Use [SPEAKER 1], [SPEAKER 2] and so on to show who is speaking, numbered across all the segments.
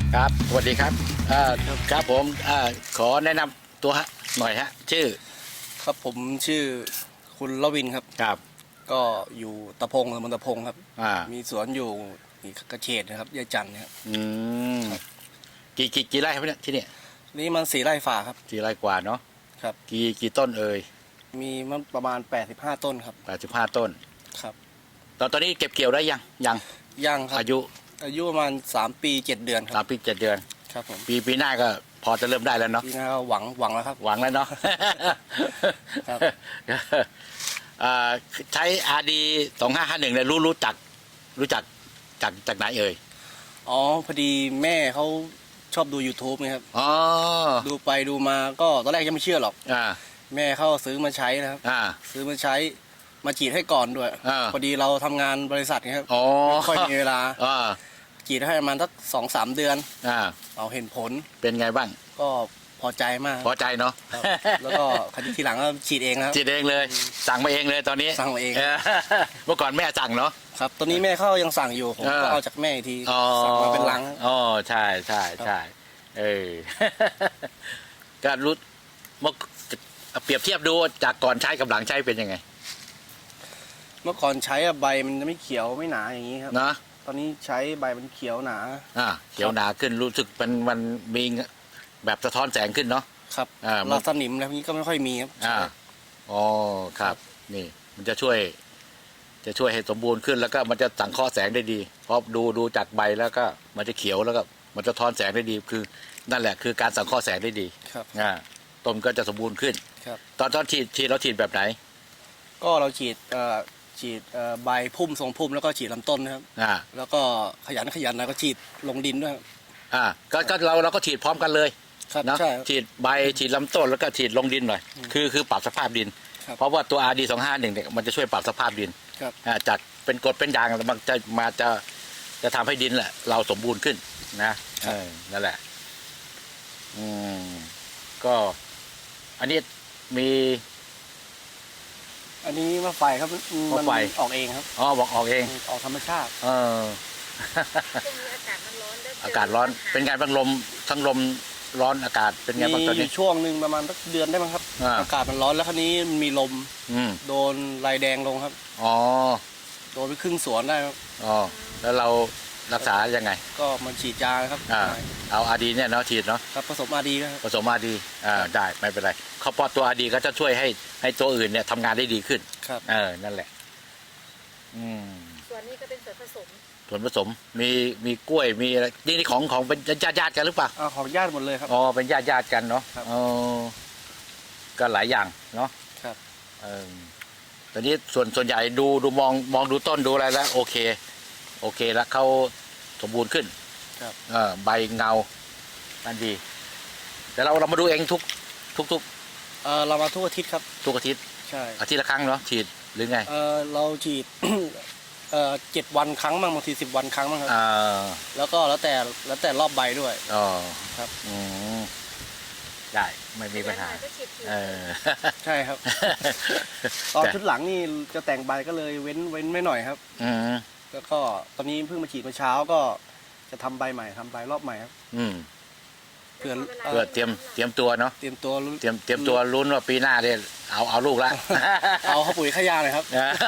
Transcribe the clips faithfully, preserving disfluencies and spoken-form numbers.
[SPEAKER 1] ครับสวัสดีครับอ่าครับผมอ่าขอแนะนำตัวฮะหน่อยฮะชื่อ
[SPEAKER 2] ครับผมชื่อคุณละวินครับ
[SPEAKER 1] ครับ
[SPEAKER 2] ก็อยู่ตะพงตำบลตะพงครับ
[SPEAKER 1] อ่า
[SPEAKER 2] มีสวนอยู่อีกกระเฉดนะครับยายจันทร์นะครับ
[SPEAKER 1] อืมกี่กี่กี่ไร่ครับเนี่ยที่เนี่ย
[SPEAKER 2] นี่มันสี่ไร่ฝ่าครับ
[SPEAKER 1] กี่ไร่กว่าเนาะ
[SPEAKER 2] ครับ
[SPEAKER 1] กี่กี่ต้นเอ่ย
[SPEAKER 2] มีมันประมาณแปดสิบห้าต้นครับ
[SPEAKER 1] แปดสิบห้าต้น
[SPEAKER 2] ครับ
[SPEAKER 1] ตอนตอนนี้เก็บเกี่ยวได้ยังยัง
[SPEAKER 2] ย่างครับ
[SPEAKER 1] อายุ
[SPEAKER 2] อายุประมาณสามปีเจ็ดเดือนค
[SPEAKER 1] สา
[SPEAKER 2] รั
[SPEAKER 1] ม
[SPEAKER 2] บ
[SPEAKER 1] ปีเจ็ดเดือน
[SPEAKER 2] ครับผม
[SPEAKER 1] ปีปีหน้าก็พอจะเริ่มได้แล้วเนาะ
[SPEAKER 2] ปีหน้าก็หวังหวังแล้วครับ
[SPEAKER 1] หวังแล้วเนาะ
[SPEAKER 2] ครับ
[SPEAKER 1] อ่าใช้อาร์ดีสองห้าห้าหนึ่งเนี่ยรู้รู้จักรู้จักจากจากไหนเอ่ย
[SPEAKER 2] อ๋อพอดีแม่เขาชอบดู YouTube นะครับ
[SPEAKER 1] อ๋อ
[SPEAKER 2] ดูไปดูมาก็ตอนแรกยังไม่เชื่อหรอก
[SPEAKER 1] อ่า
[SPEAKER 2] แม่เขาซื้อมาใช้นะครับ
[SPEAKER 1] อ่า
[SPEAKER 2] ซื้อมาใช้มาฉีดให้ก่อนด้วยพอดีเราทำงานบริษัทนะครับไม่ค่อยมีเวลาฉีดให้ประมาณสักสองสามเดือนเราเห็นผล
[SPEAKER 1] เป็นไงบ้าง
[SPEAKER 2] ก็พอใจมาก
[SPEAKER 1] พอใจเนาะ
[SPEAKER 2] แล้วก็ครั้ทีหลังก็ฉีดเองครับ
[SPEAKER 1] ฉีดเองเลยสั่งมาเองเลยตอนนี้
[SPEAKER 2] สั่งมาเอง
[SPEAKER 1] เมื่อก่อนแม่สั่งเนาะ
[SPEAKER 2] ครับตอนนี้แม่เขายังสั่งอยู่ผมก็เอาจากแม่ทีสั่งมาเป็นลัง
[SPEAKER 1] อ๋อใช่ใช่ใช่เออการรู้เมื่อเปรียบเทียบดูจากก่อนใช้กับหลังใช้เป็นยังไง
[SPEAKER 2] เมื่อก่อนใช้ใบมันจะไม่เขียวไม่หนาอย่างนี้ครับ
[SPEAKER 1] นะ
[SPEAKER 2] ตอนนี้ใช้ใบมันเขียวหนา
[SPEAKER 1] อ่าเขียวหนาขึ้นรู้สึกมันมันมีแบบสะท้อนแสงขึ้นเนาะ
[SPEAKER 2] ครับอ่าเราสนิมแล้วนี้ก็ไม่ค่อยมีครับ
[SPEAKER 1] อ่าอ๋อครับนี่มันจะช่วยจะช่วยให้สมบูรณ์ขึ้นแล้วก็มันจะสังเคราะห์แสงได้ดีเพราะดูดูจากใบแล้วก็มันจะเขียวแล้วก็มันจะทอนแสงได้ดีคือนั่นแหละคือการสังเคราะห์แสงได้ดี
[SPEAKER 2] ครับ
[SPEAKER 1] อ่าต้นก็จะสมบูรณ์ขึ้น
[SPEAKER 2] ครับ
[SPEAKER 1] ตอนตอนฉีดฉีดเราฉีดแบบไหน
[SPEAKER 2] ก็เราฉีดเอ่อฉีดใบพุ่มทรงพุ่มแล้วก็ฉีดลำต้นนะครับ
[SPEAKER 1] อ่า
[SPEAKER 2] แล้วก็ขยันขยันนะก็ฉีดลงดินด้วย
[SPEAKER 1] อ่าก็ก็เราเราก็ฉีดพร้อมกันเลย
[SPEAKER 2] นะ
[SPEAKER 1] ฉีดใบฉีดลำต้นแล้วก็ฉีดลงดินหน่อยคือคือปรับสภาพดินเพราะว่าตัว อาร์ ดี สองห้าหนึ่งเนี่ยมันจะช่วยปรับสภาพดินจากเป็นกรดเป็นด่างมันจะมาจะจะทำให้ดินแหละเราสมบูรณ์ขึ้นนะนั่นแหละอืมก็อันนี้มี
[SPEAKER 2] อันนี้มะไฟครับมันออกเองครับ
[SPEAKER 1] อ๋อบอกออกเอง
[SPEAKER 2] ออกธรรมชาติ
[SPEAKER 1] เอออากาศร้อนเป็นไงบ้างลมทั้งลมร้อนอากาศเป็นไงบ้างตอนนี้
[SPEAKER 2] ช่วงหนึ่งประมาณสักเดือนได้มั้งครับอากาศมันร้อนแล้วคราวนี้มีลมโดนลายแดงลงครับ
[SPEAKER 1] อ๋อ
[SPEAKER 2] โดนไปครึ่งสวนได้ครับ
[SPEAKER 1] อ๋อแล้วเรารักษายังไง
[SPEAKER 2] ก็มันฉีดยาครับ
[SPEAKER 1] เอาอาดีเนี่ยเนาะฉีดเนาะ
[SPEAKER 2] ครับผสมอาดีครับ
[SPEAKER 1] ผสมอาดีอ่าได้ไม่เป็นไรเขาพอตัวอาดีก็จะช่วยให้ให้ตัวอื่นเนี่ยทำงานได้ดีขึ้น
[SPEAKER 2] ครับ
[SPEAKER 1] เออนั่นแหละอืม
[SPEAKER 3] ส่วนนี้ก็เป็นส่วนผสม
[SPEAKER 1] ส่วนผสมมีมีกล้วยมีอะไรนี่นี่ของของเป็นญาติญาติกันหรือเปล่า
[SPEAKER 2] อ๋อของญาติหมดเลยครับ
[SPEAKER 1] อ๋อเป็นญาติญาติกันเนาะอ๋อก็หลายอย่างเนาะ
[SPEAKER 2] ครับ
[SPEAKER 1] เออตอนนี้ส่วนส่วนใหญ่ดูดูมองมองดูต้นดูอะไรแล้วโอเคโอเคแล้วเขาสมบูรณ์ขึ้น
[SPEAKER 2] ครับ
[SPEAKER 1] เออใบเงามันดีแต่เราเรามาดูเองทุกทุกทุก
[SPEAKER 2] เออเรามาทุกอาทิตย์ครับ
[SPEAKER 1] ทุกอาทิตย์
[SPEAKER 2] ใช่
[SPEAKER 1] อาทิตย์ละครั้งเนาะฉีดหรือไง
[SPEAKER 2] เออเราฉีดเอ่อเจ็ดวันครั้งบ้างบางทีสิบวันครั้งบ้างครับแล้วก็แล้วแต่แล้วแต่รอบใบด้วย
[SPEAKER 1] อ๋อ
[SPEAKER 2] ครับ
[SPEAKER 1] อืมได้ไม่มีปัญหาเออ
[SPEAKER 2] ใช่ครับตอนชุดหลังนี่จะแต่งใบก็เลยเว้นเว้นไม่หน่อยครับ
[SPEAKER 1] อืม
[SPEAKER 2] แล้วก็ตอนนี้เพิ่งมาฉีดเมื่อเช้าก็จะทำใบใหม่ทำใบรอบใหม่ครับ
[SPEAKER 1] อืม
[SPEAKER 2] เพื่อ
[SPEAKER 1] เพื่อเตรียมเตรียมตัวเนาะ
[SPEAKER 2] เตรียมตัว
[SPEAKER 1] เตรียมเตรียมตัวลุ้นว่าปีหน้าเนี่ยเอาเอาลูกละ
[SPEAKER 2] เอาข้าวปุ๋ยข้ายาเลยครับ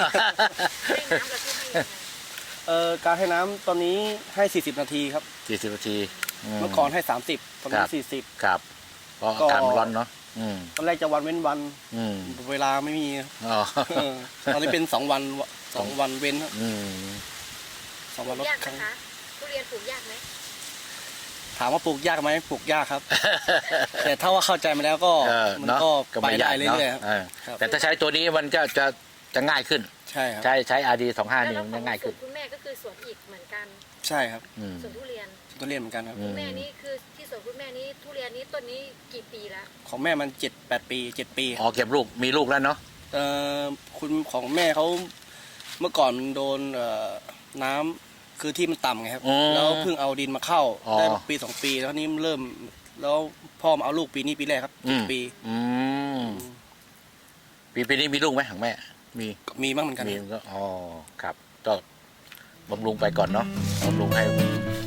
[SPEAKER 2] เอ่อการให้น้ำตอนนี้ให้สี่สิบนาทีครับ
[SPEAKER 1] สี่สิบนาที
[SPEAKER 2] เมื่อก่อนให้สามสิบตอนนี้สี่สิบ
[SPEAKER 1] ครับเพราะอากาศร้อนเนาะ
[SPEAKER 2] ตอนแรกจะวันเว้นวันเวลาไม่มีตอนนี้เป็นสองวันสองวันเว้นครับสองวันลดครั้ง
[SPEAKER 3] ทุเรียนปลูกยากไหม
[SPEAKER 2] ถามว่าปลูกยากไหมปลูกยากครับแต่ถ้าว่าเข้าใจมาแล้วก็มันก็ไปได้เรื่อยๆ
[SPEAKER 1] แต่ถ้าใช้ตัวนี้มันก็จะจะง่ายขึ้น
[SPEAKER 2] ใช่ครับ
[SPEAKER 1] ใช้ใช้อาร์ดีสองห้านี่มันง่ายขึ้น
[SPEAKER 3] คุณแม่ก็คือสวนอีกเหมือนกัน
[SPEAKER 2] ใช่ครับ
[SPEAKER 3] สวนทุเรียน
[SPEAKER 2] ทุเรียนเหมือนกันครับ
[SPEAKER 3] คุณแม่นี่คือที่สวนคุณแม่นี้ทุเรียนนี้ต้นนี้กี่ปีแล้ว
[SPEAKER 2] ของแม่มันเจ็ดแปดปีเจ็ดปี
[SPEAKER 1] อ๋อเก็บลูกมีลูกแล้วเนาะ
[SPEAKER 2] เอ่อคุณของแม่เขาเมื่อก่อนโดนน้ำคือที่มันต่ำไงครับแล้วเพิ่งเอาดินมาเข้าได้ปีสองปีแล้วนี้เริ่มแล้วพ่อมาเอาลูกปีนี้ปีแรกครับปี
[SPEAKER 1] ปีปีนี้มีลูกไหมของแม่มี
[SPEAKER 2] มีบ้างเหมือนกัน
[SPEAKER 1] มีก็อ๋อครับก็บำรุงไปก่อนเนาะบำรุงให้